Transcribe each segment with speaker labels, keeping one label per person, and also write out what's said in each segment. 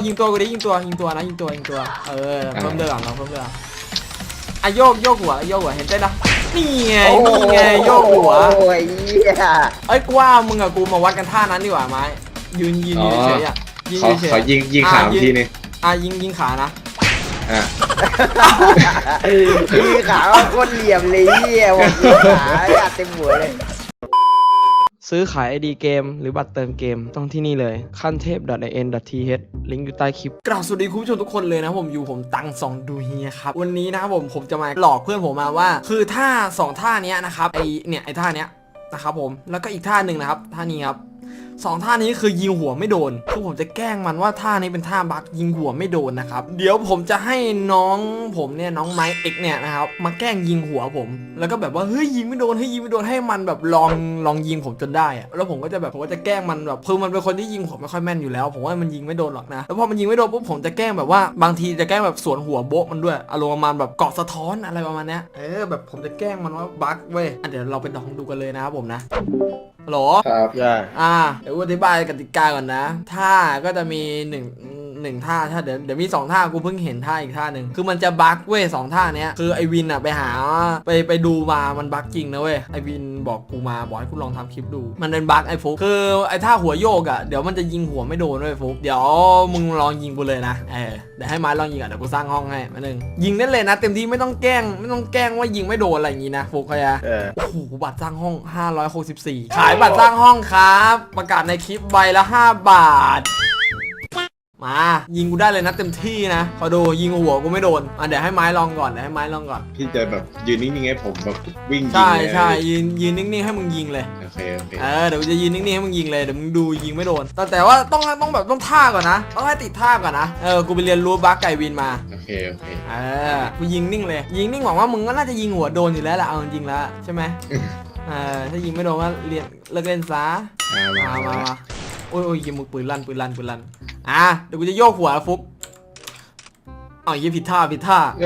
Speaker 1: ยิงตัวกูดิยิงตัวนะยิงตัวเพิ่มเลือดก่อนเราเพิ่มเลือดอ่ะโยกหัวเห็นได้นะนี่ไงโยกหัว
Speaker 2: โอ้ย
Speaker 1: เอ้ยกูว่ามึงกับกูมาวัดกันท่านั้นดีกว่าไม้ยืนเฉยอ่ะ
Speaker 3: ขอยิงขาทีนึง
Speaker 1: ยิงขานะ
Speaker 2: ยิงขาโคตรเหลี่ยมเลยบอกยิงขาอยากเต็มหัวเลย
Speaker 1: ซื้อขาย ID เกมหรือบัตรเติมเกมต้องที่นี่เลยขั้นเทพ .in.th ลิงก์อยู่ใต้คลิปกราบสวัสดีคุณผู้ชมทุกคนเลยนะผมตังสองดูเฮียครับวันนี้นะครับผมจะมาหลอกเพื่อนผมมาว่าคือท่า2ท่านี้นะครับไอท่านี้นะครับผมแล้วก็อีกท่าหนึ่งนะครับท่านี้ครับ2ท่านี้คือยิงหัวไม่โดนคือผมจะแกล้งมันว่าท่านี้เป็นท่าบั๊กยิงหัวไม่โดนนะครับเดี๋ยวผมจะให้น้องผมเนี่ยน้องไมค์เอ็กเนี่ยนะครับมาแกล้งยิงหัวผมแล้วก็แบบว่าเฮ้ยยิงไม่โดนให้มันแบบลองยิงผมจนได้อะแล้วผมก็จะแกล้งมันแบบคือมันเป็นคนที่ยิงหัวไม่ค่อยแม่นอยู่แล้วผมว่ามันยิงไม่โดนหรอกนะแล้วพอมันยิงไม่โดนปุ๊บผมจะแกล้งแบบว่าบางทีจะแกล้งแบบสวนหัวโบ๊ะมันด้วยอารมณ์ประมาณแบบเกาะสะท้อนอะไรประมาณนี้แบบผมจะแกล้งมันว่าบั๊กเว้ยเดี๋ยวเราไปลองดูกันเลยนะครับผมนะหรอ
Speaker 3: ครับ
Speaker 1: เดี๋ยวอธิบายกติกาก่อนนะท่าก็จะมีหนึ่งท่าเดี๋ยวมี2ท่ากูเพิ่งเห็นท่าอีกท่าหนึ่งคือมันจะบั๊กเว้ย2ท่าเนี้ยคือไอวินไปหาไปดูมามันบั๊กจริงนะเว้ยไอวินบอกกูมาบอกให้กูลองทำคลิปดูมันเป็นบั๊กไอฟุกคือไอท่าหัวโยกเดี๋ยวมันจะยิงหัวไม่โดนด้วยฟุกเดี๋ยวมึงลองยิงกูเลยนะเดี๋ยวให้ไม้ลองยิงเดี๋ยวกูสร้างห้องให้มาหนึ่งยิงได้เลยนะเต็มที่ไม่ต้องแกล้งว่ายิงไม่โดนอะไรอย่างงี้นะฟุกเขาจะโอ้โหบัตรสร้างห้อง564ขายบัตรสร้างห้องครับประกาศในคลิปใบละ5 บาทมายิงกูได้เลยนะเต็มที่นะพอดูยิงหัวกูไม่โดนเดี๋ยวให้ไม้ลองก่อน
Speaker 3: พี่จะแบบยืนนิ่งๆให้ผมแบบวิ่งยิง
Speaker 1: ใช่ยืนนิ่งๆให้มึงยิงเลย
Speaker 3: โอเค
Speaker 1: เดี๋ยวกูจะยืนนิ่งๆให้มึงยิงเลยเดี๋ยวมึงดูยิงไม่โดนแต่ว่าต้องท่าก่อนนะต้องให้ติดท่าก่อนนะกูไปเรียนรู้บั๊กไก่วินมา
Speaker 3: โอเค
Speaker 1: กูยิงนิ่งเลยยิงนิ่งหวังว่ามึงก็น่าจะยิงหัวโดนอยู่แล้วแหละเอาจริงแล้วใช่ไหมถ้ายิงไม่โดนก็เลิกเล่นซะมาโอ้ยยิงมือปืนลั่นเดี๋ยวกูจะโยกหัวฟุกยิงผิดท่านี่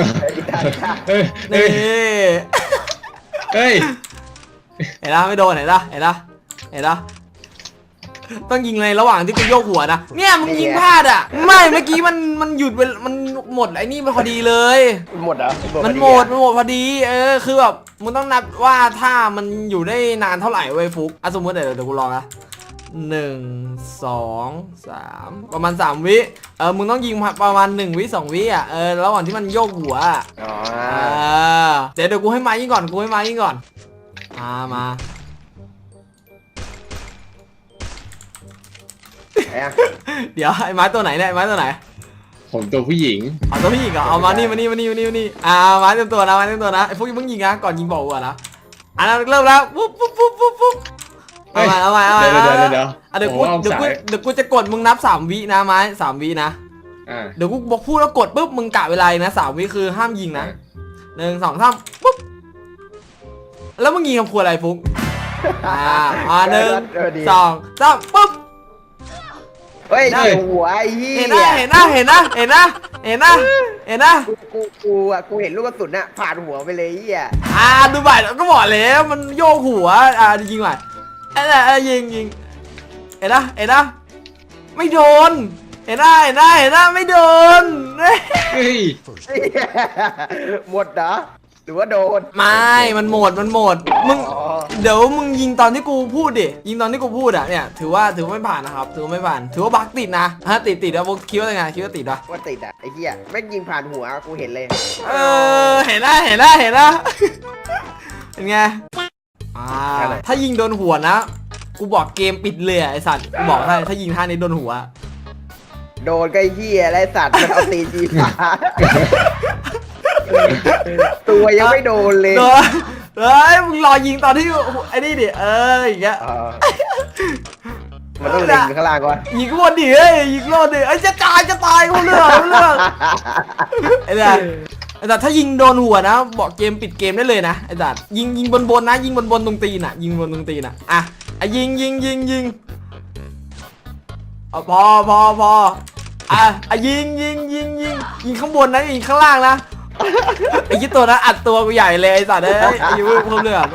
Speaker 3: เฮ้ย
Speaker 1: เห็นละไม่โดนเห็นละต้องยิงในระหว่างที่กูโยกหัวนะเนี่ยมึงยิงพลาดไม่เมื่อกี้มันหยุดมันหมดไอ้นี่มันพอดีเลย
Speaker 2: หมดเหรอ
Speaker 1: มันหมดพอดีคือแบบมึงต้องนับว่าถ้ามันอยู่ได้นานเท่าไหร่เว้ยฟุกสมมติเดี๋ยวกูลองนะ1 2 3ประมาณ3 วิมึงต้องยิงประมาณ1 วิ 2 วิระหว่างที่มันโยกหัวเดี๋ยวกูให้ไม้ยิงก่อนมาเดี๋ยวไอ้ไม้ตัวไหนเนี่ยไม้ตัวไหน
Speaker 3: ผมตัวผู้หญิง
Speaker 1: ตัวผู้หญิงเหรอเอามานี่ไม้เต็มตัวนะไอ้พวกมึงยิงนะก่อนยิงบอกกูนะเริ่มแล้วปุ๊บเอาใหม่
Speaker 3: เดี๋ยว
Speaker 1: เดี๋ยวกูจะกดมึงนับ3 วินะไม้3 วินะเดี๋ยวกูบอกพูดแล้วกดปุ๊บมึงกะเวลานะ3 วิคือห้ามยิงนะ1 2 3ปุ๊บแล้วมึงยิงคำครัวอะไรฟุก1 2 3ปุ๊บ
Speaker 2: เฮ้ยหัวไอ้ยี่
Speaker 1: เห็นนะ
Speaker 2: กูเห็นลูกกระสุนน่ะผ่านหัวไปเลยยี่
Speaker 1: ดูบ่ายก็บอกแล้วมันโยกหัวยิงไปยิงเห็นนะไม่โดนเห็นนะไม่โดน
Speaker 2: หมดเหรอหรือว่าโดน
Speaker 1: ไม่มันหมดมึงเดี๋ยวมึงยิงตอนที่กูพูดดิยิงตอนที่กูพูดเนี่ยถือว่าไม่ผ่านนะครับถือว่าไม่ผ่านถือว่าบั๊กติดนะติดแล้วคิดว่าไงคิดว่าติดปะ
Speaker 2: ว่าติดไอ้เหี้ยแม่งยิงผ่านหัวกูเห็นเลย
Speaker 1: เห็นนะเป็นไงถ้ายิงโดนหัวนะกูบอกเกมปิดเลยไอสัตว์กูบอกถ้ายิงท่านี้โดนหัว
Speaker 2: โดนไอ้เหี้ยไรสัตว์มันเอาตีจีฟ้าตัวยังไม่โดนเลย
Speaker 1: มึงรอยิงตอนที่ไอ้นี่ดิอย่างเงี้ย
Speaker 2: มันต้องเล็งข้างล่างก่อน
Speaker 1: ยิงข้างบนดิยิงโลดดิจะตายกูเรื่องไอ้แต่ถ้ายิงโดนหัวนะบอกเกมปิดเกมได้เลยนะไอ้สัตว์ยิงบนนะยิงบนตรงตีนยิงบนตรงตีนยิงยิงพอยิงข้างบนนะยิงข้างล่างนะไอ้ยี่ตัวนั้นอัดตัวกูใหญ่เลยไอ้สัตว์ยิงเพิ่มเลือด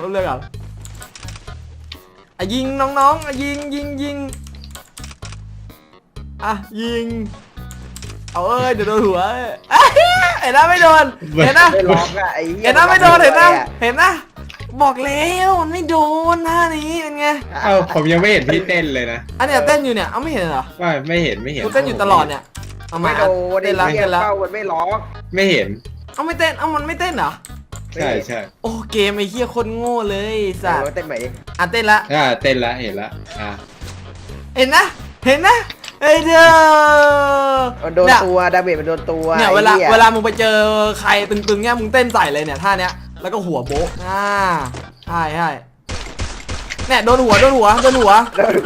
Speaker 1: ยิงน้องยิงยิงเอาเดี๋ยวโดนหัวเห็นนะไม่โดนเห็นนะ
Speaker 2: ไม่ล็อกอะไอ้เหี้ย
Speaker 1: เห็นนะไม่โดนเห็นนะบอกแล้วมันไม่โดนท่านี้เป็นไง
Speaker 3: เอ้าผมยังไม่เห็นพี่เต้นเลยนะ
Speaker 1: อันเนี้ยเต้นอยู่เนี่ยเอาไม่เห็นเหรอ
Speaker 3: ว่าไม่เห็น
Speaker 1: กูเต้นอยู่ตลอดเนี่ยเอามา
Speaker 2: ไม่โดน
Speaker 1: เต้นละ
Speaker 2: ไอ้เหี้ย
Speaker 1: เต้นละ
Speaker 2: เป้ามันไม่ล็อก
Speaker 3: ไม่เห็น
Speaker 1: เอาไม่เต้นเอามันไม่เต้นเหรอ
Speaker 3: ใช่
Speaker 1: โอ้เกมไอ้เหี้ยคนโง่เลยสัตว์
Speaker 2: เต้นใหม่ดิ
Speaker 1: อ่ะเต้นละ
Speaker 3: เต้นละเห็นละ
Speaker 1: เห็นนะเฮ้ยเด้อ
Speaker 2: มันโดนตัวดาเมจมันโดนตัว
Speaker 1: เนี่ย
Speaker 2: ไอ้
Speaker 1: เวลามึงไปเจอใครตึงๆเนี่ยมึงเต้นใส่เลยเนี่ยท่าเนี้ยแล้วก็หัวโบ๊ะใช่เนี่ยโดนหัว
Speaker 2: โดนหัว
Speaker 1: อันนี้โดนหัว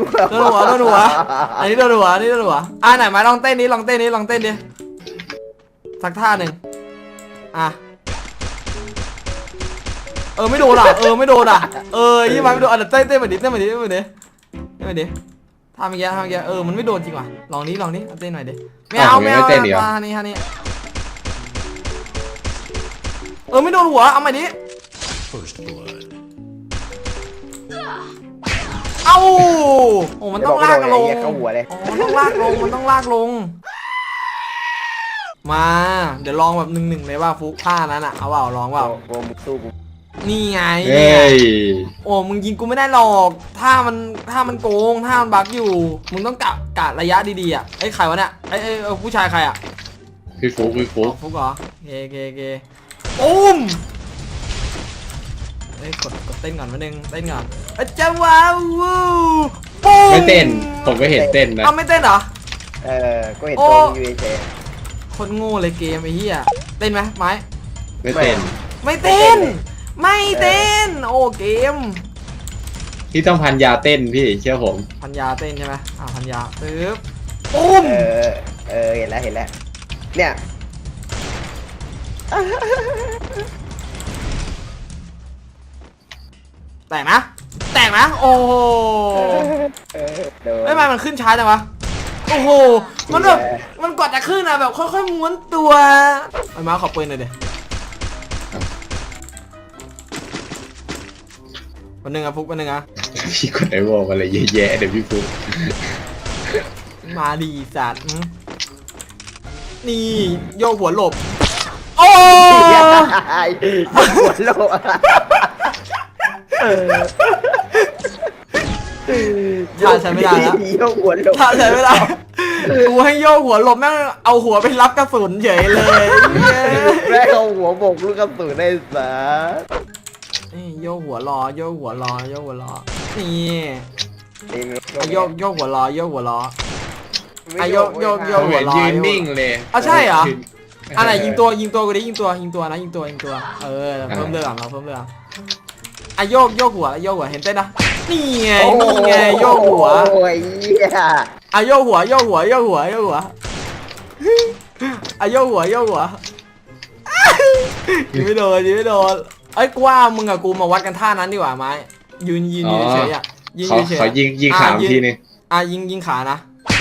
Speaker 1: อันนี้โดนหัวไหนมาลองเต้นดิสักท่าหนึ่งไม่โดนไม่โดนยี่มาไม่โดนเต้นมาดิท่าเมื่อกี้มันไม่โดนจริงว่ะลองนี้เต้นหน่อยดิไม่เอาท่านี้ไม่โดนหัวเอาใหม่ดิโอ้มันต้องลากลงมันต้องลากลงมาเดี๋ยวลองแบบ1-1เลยว่าฟุกท่านั้นอ่ะเอาเปล่าลองเปล่า
Speaker 2: โกมุกสู้กู
Speaker 1: นี่ไง
Speaker 3: เฮ้ย
Speaker 1: โอ้มึงยิงกูไม่ได้หรอกถ้ามันโกงถ้ามันบั๊กอยู่มึงต้องกะระยะดีๆอ่ะไอ้ใครวะเนี่ยไอ้ผู้ชายใครอ่ะ
Speaker 3: พี่ฟุก
Speaker 1: ฟุกเหรอเกอุ้มกดเต้นก่อนนิดนึงเต้นก่อนจะว้าวปุ๊บ
Speaker 3: ไม่เต้นผมก็เห็นเต้นนะ
Speaker 1: เอาไม่เต้นเหรอ
Speaker 2: ก็เห็นตัวยูเอเจ
Speaker 1: คนโง่เลยเกมไอ้เหี้ยเต้นไหมไม้
Speaker 3: ไม่เต้น
Speaker 1: ไม่เต้นโอ้เกม
Speaker 3: พี่ต้องพันยาเต้นพี่เชื่อผม
Speaker 1: พันยาเต้นใช่ไหมพันยาปึ๊บปุ้ม
Speaker 2: เห็นแล้วเนี่ย
Speaker 1: แตกนะโอ้โหไม่มามันขึ้นช้าจังวะโอ้โหมันแบบมันกว่าจะขึ้นอะแบบค่อยๆม้วนตัวไอ้มาขอปืนหน่อยดิวันหนึ่งอะฟุกวันหนึ่งอะ
Speaker 3: พี่กดไอวอลอะไรเยอะแยะเดี๋ยวพี่ฟุก
Speaker 1: มาดีสัตว์นี่โยกหัวหลบโอ้
Speaker 2: หัวโล
Speaker 1: ท่าใช้ไม่ได้แล้ว
Speaker 2: โยกหัวโล
Speaker 1: ท่าใช้ไม่ได้กูให้โยกหัวหลบแม่งเอาหัวไปรับกระสุนเฉยเลย
Speaker 2: แม่เอาหัวบกลูกกระสุนได้สา
Speaker 1: นี่โยกหัวรอนี่โยกหัวรอโยกหัวรอ
Speaker 3: ยืนนิ่งเลย
Speaker 1: ใช่เหรออะไรยิงตัวกูดิยิงตัวนะยิงตัวเพิ่มเรื่องเราเพิ่มเรื่องโยกหัวเห็นเต้นนะนี่ไงโยกหัว
Speaker 2: โอ้ย
Speaker 1: โยกหัวยิงไม่โดนไอ้กว่ามึงกับกูมาวัดกันท่านั้นดีกว่าไหมยืนเฉยๆยิงเฉย
Speaker 3: ขอยิงขาทีนึง
Speaker 1: ยิงขานะ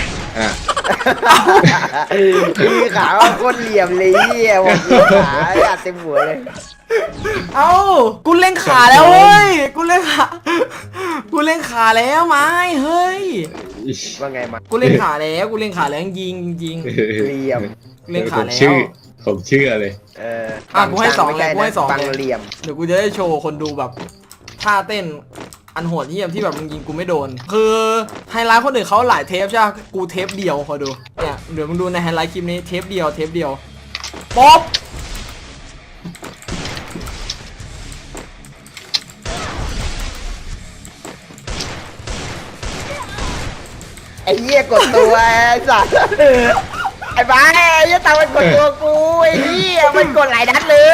Speaker 2: พี่ขาโคตรเหลี่ยมเลยบอกขาอยากเต็มหัวเลย
Speaker 1: กูเล่นขาแล้วเฮ้ยกูเล่นขาแล้วไหมเฮ้ย
Speaker 2: ว่าไงมา
Speaker 1: กูเล่นขาแล้วยิง
Speaker 2: เหลี่ยม
Speaker 1: เล่นขาแล้ว
Speaker 3: ผมเชื่อเลย
Speaker 1: กูให้2เลย
Speaker 2: บังเหลี่ยม
Speaker 1: เดี๋ยวกูจะได้โชว์คนดูแบบท่าเต้นอันโหดเยี่ยมที่แบบมึงยิงกูไม่โดนคือไฮไลท์คนอื่นเขาหลายเทปใช่ไหมกูเทปเดียวคอยดูเนี่ยเดี๋ยวมึงดูในไฮไลท์คลิปนี้เทปเดียวป๊อป
Speaker 2: ไอ้เหี้ยกดตัวสัตว์ไอ้บ้าไอ้เหี้ยตามันกดตัวกูไอ้เหี้ยมันกดหลายนัดเลย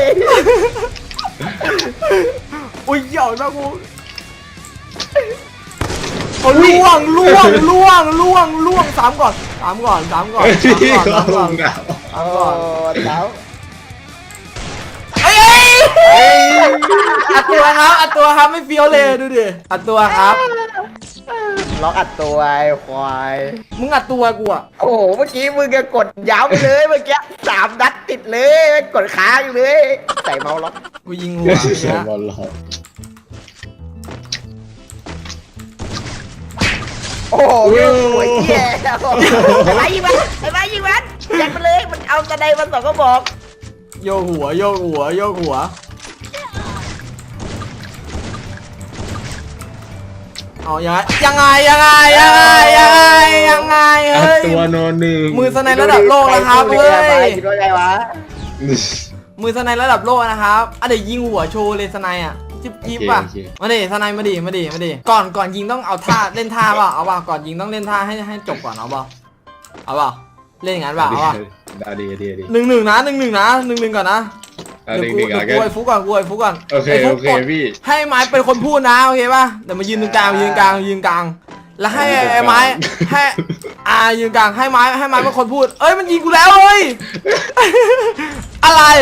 Speaker 1: อุ้ยเหี่ยวนะกูล่วงสามก่อน
Speaker 2: แล้ว
Speaker 1: อัดตัวครับไม่เฟี้ยวเลยดูดิอัดตัวครับ
Speaker 2: ล็อกอัดตัวไอ้ควาย
Speaker 1: มึงอัดตัวกูอ่ะ
Speaker 2: โอ้โหเมื่อกี้มึงก็กดย้ำเลยเมื่อกี้3 นัดติดเลยกดค้างเลยใส่เมาส์ล็อก
Speaker 1: กูยิงหัว
Speaker 3: ใส่เมาส์ล็อก
Speaker 2: โอ้โหหัวเหี้ยไอ้บ้ายิงมันยังสไนมันสองก็บอก
Speaker 1: โยกหัวโยกหัวโยกหัวเอายังไงเฮ้ย
Speaker 3: ตัวโนหนึ่ง
Speaker 1: มือสไนระดับโลกนะครับเฮ้ย
Speaker 2: คิดว่าไงวะ
Speaker 1: มือสไนระดับโลกนะครับเดี๋ยวยิงหัวโชว์เลยสไนอ่ะจิ๊บป่ะมาดิสไนมาดิก่อนยิงต้องเอาท่าเล่นท่าเปล่าเอาเปล่าก่อนยิงต้องเล่นท่าให้จบก่อนเอาเปล่าเล่นอย่างนั้นเปล่าเอาเปล่า
Speaker 3: ดี
Speaker 1: 1-1นะ1-1ก่อนนะเดี๋ยวกูไอ้ฟุกก่อนโอเค
Speaker 3: พี่
Speaker 1: ให้ไม้เป็นคนพูดนะโอเคป่ะเดี๋ยวมายืนตรงกลางยืนกลางแล้วให้ไอ้ไม้ให้ยืนกลางให้ไม้เป็นคนพูดเอ้ยมันยิงกูแล้วเฮ้ยอะไร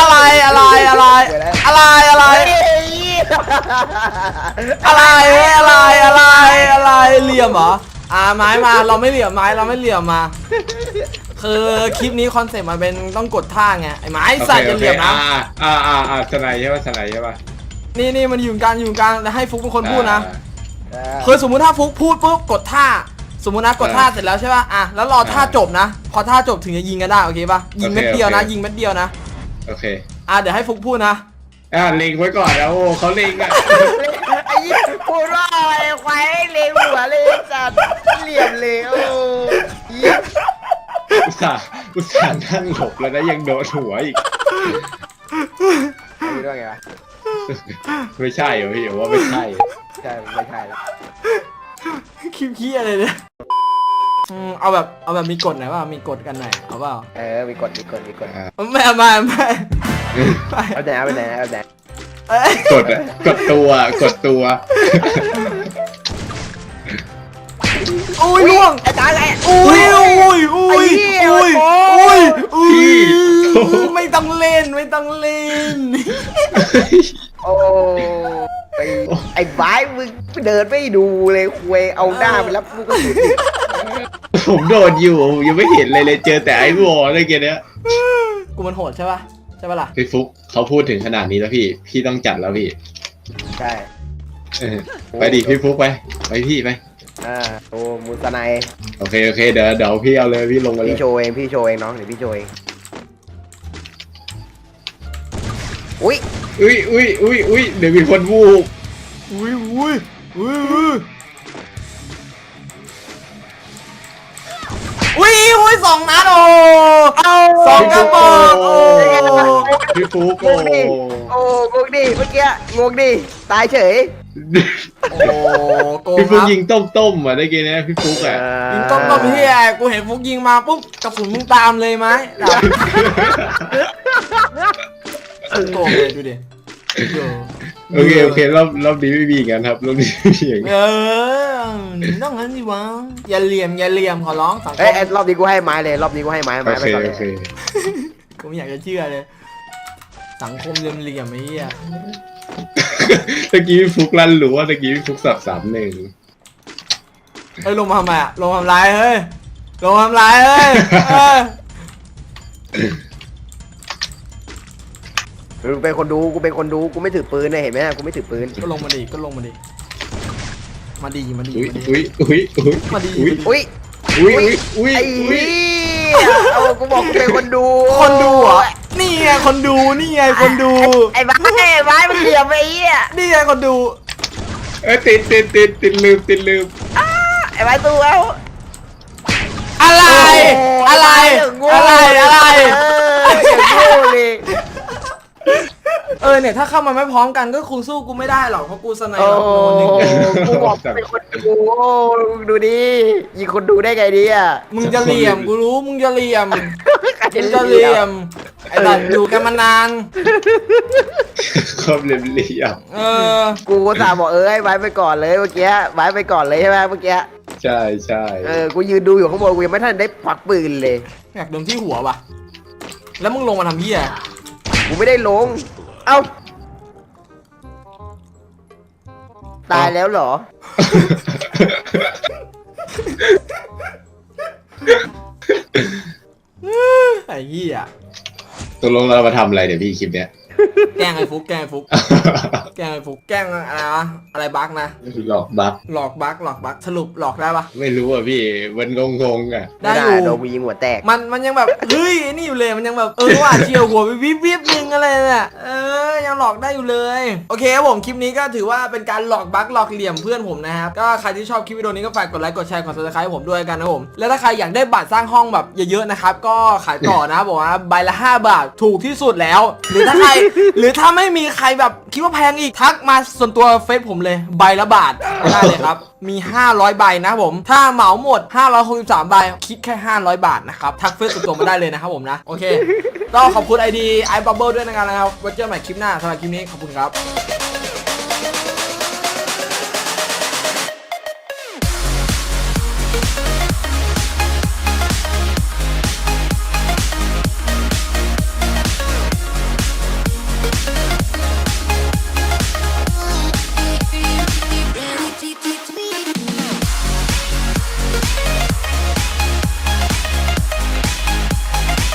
Speaker 1: เหลี่ยมเหรอไม้มาเราไม่เหลี่ยมมาคือคลิปนี้คอนเซ็ปต์มันเป็นต้องกดท่าไงไอ้ไม้สัตว์จะเหลี่ยมนะ
Speaker 3: สไนใช่ป่ะ
Speaker 1: นี่มันอยู่กลางแล้วให้ฟุกเป็นคนพูดนะคือสมมุติถ้าฟุกพูดปุ๊บกดท่าสมมุตินะกดท่าเสร็จแล้วใช่ป่ะแล้วรอท่าจบนะพอท่าจบถึงจะยิงกันได้โอเคป่ะยิงเม็ดเดียวนะ
Speaker 3: โอเค
Speaker 1: เดี๋ยวให้ฟุกพูดนะ
Speaker 3: เล็งไว้ก่อนนะโอ้เขาเล็งอ่ะ
Speaker 2: ไอ้ยี่พูดว่าอะไรควายเล็งหัวเลยจัดเหลี่ยมเลยโอ้ย
Speaker 3: อุตส่าห์นั่งหลบแล้วนะยังโดนหัวอีก
Speaker 2: คิดว่าไงวะ
Speaker 3: ไม่ใช่เหรอพี่ว่าไม่ใช่
Speaker 2: ไม่ใช่แล้ว
Speaker 1: คลิปขี้อะไรเนี่ยเอาแบบมีกฎหน่อยว่ามีกฎกันหน่อยเอาเปล่า
Speaker 2: มีกฎ
Speaker 1: ไม่เอา
Speaker 2: ไหน
Speaker 3: กดตัว
Speaker 1: อุ้ยล่วง
Speaker 2: ไอ้ตาไง
Speaker 1: อุ้ยไม่ต้องเล่น
Speaker 2: โอ้ไอ้บ้ายมึงเดินไม่ดูเลยคุยเอาหน้าไปรับลูกกระสุน
Speaker 3: ผมโดนอยู่ยังไม่เห็นเลยเจอแต่ไอ้วอลอะไรเงี้ย
Speaker 1: กูมันโหดใช่ป่ะล่ะ
Speaker 3: พี่ฟุกเขาพูดถึงขนาดนี้แล้วพี่ต้องจัดแล้วพี่
Speaker 2: ใช่
Speaker 3: ไปดิพี่ฟุกไปพี่ไป
Speaker 2: โอ้มูสไน
Speaker 3: โอเคเดี๋ยวพี่เอาเลยพี่ลงมาเลย
Speaker 2: พี่โชว์เองน้องเดี๋ยวพี่โชว์เองอุ้ย
Speaker 3: เดี๋ยวมีคนวูบ
Speaker 1: สองนัดโอ้สองกระบอกโอ้
Speaker 3: พี่ฟุก
Speaker 2: โอ้งงดิเมื่อกี้งงดิตายเฉย
Speaker 1: โอ้
Speaker 3: พี่ฟุกยิงต้มอ่ะได้กี่นะพี่ฟุกอ่ะ
Speaker 1: ยิงต้มเฮียกูเห็นฟุกยิงมาปุ๊บกระสุนมึงตามเลยไหมโกงเลยดูดิ
Speaker 3: โอเครอบนี้ไม่มีกันครับรอบนี้อย่าง
Speaker 1: ต้องงั้นดิวะอย่าเหลี่ยมขอร้องสังคม
Speaker 2: รอบนี้กูให้ไม้เลยไปก่อนเลย
Speaker 1: กูไม่อยากจะเชื่อเลยสังคมเหลี่ยมไอ้เหี้ย
Speaker 3: ตะกี้พี่ฟุกลั่นหรือว่าตะกี้พี่ฟุกสับ3-1
Speaker 1: ลงมาทำไมอะลงทำไรเฮ้ย
Speaker 2: กูเป็นคนดูกูไม่ถือปืนเลยเห็นไหมกูไม่ถือปืน
Speaker 1: ก็ลงมาดิมาดี
Speaker 3: อุ้ย
Speaker 2: ไอ้เหี้ยกูบอกกูเป็นคนดู
Speaker 1: เหรอนี่ไงคนดู
Speaker 2: ไอ้บ้ามันเหลี่ยมไอ้เหี้ย
Speaker 1: นี่ไงคนดู
Speaker 3: ติดลืม
Speaker 2: ไอ้บ้าตัว
Speaker 1: อะไรเนี่ยถ้าเข้ามาไม่พร้อมกันก็คงสู้กูไม่ได้หรอกเพราะกูสไนด์โนนึง
Speaker 2: กูบอกเป็นคนดูดูดิยิงคนดูได้ไงดิอ่ะ
Speaker 1: มึงจะเหลี่ยมกูรู้มึงจะเหลี่ยมไอ้ตัดอยู่กันมานาน
Speaker 3: ความเหลี่ยม
Speaker 2: กูสาบอกให้ไว้ไปก่อนเลยเมื่อกี้ไว้ไปก่อนเลยใช่ไหมเมื่อกี้
Speaker 3: ใช่
Speaker 2: กูยืนดูอยู่ข้างบนกูยังไม่ทันได้ควักปืนเลย
Speaker 1: อยากโดนที่หัวว่ะแล้วมึงลงมาทำเหี้ย
Speaker 2: กูไม่ได้ลงเอ้าตายแล้วเหรอ
Speaker 1: ไอ้เหี้ย
Speaker 3: ตกลงเรามาทำอะไรเดี๋ยวพี่คลิปเนี้ย
Speaker 1: แกล้งไอ้ฟุกแกล้งไอ้ฟุกแกล้งไอ้ฟุกแกล้งอะไรวะอะไรบั๊กนะ
Speaker 3: หลอกบัก
Speaker 1: หลอกบั๊กสรุปหลอกได้ปะ
Speaker 3: ไม่รู้อ่ะพี่มันงงๆอ่ะ
Speaker 1: ได้อยู่
Speaker 2: โดนกูยิงหัวแตก
Speaker 1: มันยังแบบเฮ้ยไอ้นี่อยู่เลยมันยังแบบว่าเชียวหัววิบนึงอะไรเนี่ยยังหลอกได้อยู่เลยโอเคครับผมคลิปนี้ก็ถือว่าเป็นการหลอกบั๊กหลอกเหลี่ยมเพื่อนผมนะครับก็ใครที่ชอบคลิปวิดีโอนี้ก็ฝากกดไลค์กดแชร์กด Subscribe ให้ผมด้วยกันนะผมแล้วถ้าใครอยากได้บัตรสร้างห้องแบบเยอะๆนะครับก็ขายต่อนะบอกว่าใบละ5 บาทถูกที่สุดแล้ว หรือถ้าไม่มีใครแบบคิดว่าแพงอีกทักมาส่วนตัวเฟซผมเลยใบละบาทได้เลยครับมี500ใบนะผมถ้าเหมาหมด563ใบคิดแค่500 บาทนะครับทักเฟซส่วนตัวมาได้เลยนะครับผมนะโอเคก็ขอบคุณ ID iBubble ด้วยนะครับไว้เจอกันใหม่คลิปหน้าสำหรับคลิปนี้ขอบคุณครับ